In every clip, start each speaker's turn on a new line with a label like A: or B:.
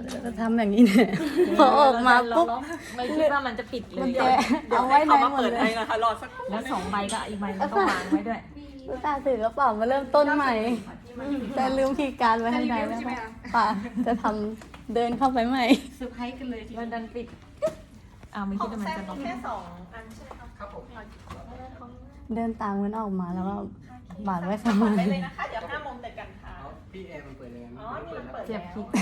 A: จะทำอย่างนี้เนี่ยพอออกมาปุ๊บ
B: ไม่คิดว่ามันจะปิดเล
A: กุญ
B: ย
A: แจเอาไว้ใน
C: เขามา
A: หมด
C: เปิด
A: เล
C: ให้
A: ย
C: นะคะรอสัก
B: แล้ว2 ใบก็อีกใบนึงก็วางไว้ด้วย
A: ลูกตาถือกระเป๋ามาเริ่มต้นใหม่แต่ลืมคีย์การ์ดไว้ข้างในแล้วป่ะจะทำเดินเข้าไปใหม่
D: เซอร์ไพรส์กันเลยที
B: แล้วดันปิดอ้าวไม่คิดว่ามันจะล็อก
C: แค่2 อันใช่ไหมคะครับผม
A: เดินตามมันออกมาแล้วก็บาดไว้สมัย
C: ได้เลยนะคะ เดี๋ยว5 โมงเจอกันค่ะ
E: พี่แอร์มันเปิดยังไง
C: อ๋อ นี่มันเปิด
B: เจ็บ
C: แล้ว
B: ผิด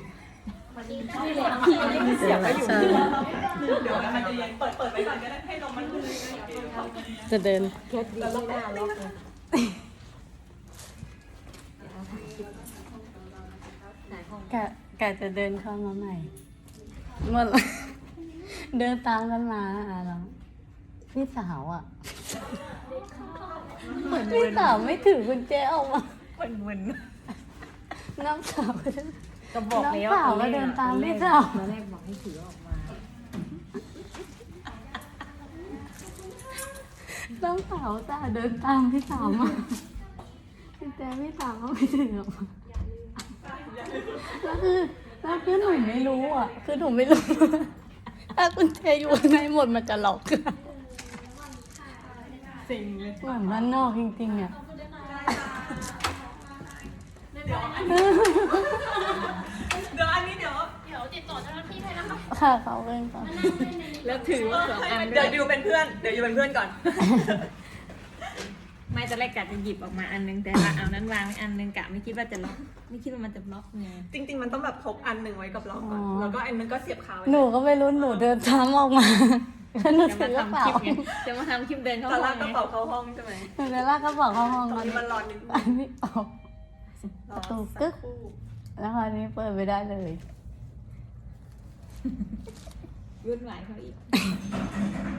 C: เสียบไปอยู่เดี๋ยวมันจะเปิดไว้ก่อนก็ได้ให้ลมมันลื่น
A: จะเดิน
B: เคสดีไม่น่าล็อกเลยไหนห้อง
A: กะจะเดินเข้ามาใหม่หมดละ เดินตามกันมาแล้วพี่สาวอ่ะพี่สาวไม่ถือกุญแจออกมา
B: มึน
A: น้องสาวก็
B: ๆก็บอกแล้ว
A: น้องสาวก็เดินตามพี่สาว
B: ตอนแรกบอกให้ถือออกมา
A: น้องสาวจ้าเดินตามพี่สาวมากุญแจพี่สาวก็ไม่ถือออกมาแล้วคือหนูไม่รู้อ่ะ คือหนูไม่รู้ ถ้ากุญแจอยู่ข้างในหมดมันจะล็อก
B: สิ่งเลย
A: เหมือนบ้านนอกจริงๆอ่ะ
C: เดี๋ยวอันนี้เดี๋ยว
D: ติดต่อเจ้าหน้าที่ให้นะคะ
A: ค่ะเขาเป็นก่อน
B: แล้วถือ2 อัน
C: เดี๋ยวอยู่เป็นเพื่อน เดี๋ยวอยู่เป็นเพื่อนก่อน
B: ไม่ตอนแรกกะจะหยิบออกมาอันนึงแต่ว่าเอานั้นวางอันนึงกะไม่คิดว่าจะล็อกไม่คิดว่ามันจะล็อกไง
C: จริงๆ มันต้องแบบพกอันหนึ่งไว้กับเราก่อน แล้วก็อันนึงก็เสียบคาไว้
A: หนูก็ไม่รู้หนูเดินตามออกมาแล้วหนู
B: จะ
A: ถื
B: มา
A: อกระ
B: ทำค
A: เป๋า
B: ลิปไงจะมาทำคลิปเดินเข้า
C: ตอน
B: ห้
C: แร
B: อง
C: กกระ
B: ไง
C: เป๋าเข้าห้องใช่ไหม
A: หนูเลยลากกระเป๋าเข้าห้อง
C: ตอนนี้มันร้อนนิดนึง
A: อันนี้ออก
C: รอ
A: ประตู
C: สั
A: กึ๊ก
C: ครู่
A: แล้วคราวนี้เปิดไม่ได้เลย
B: วุ่นวายเขาอีก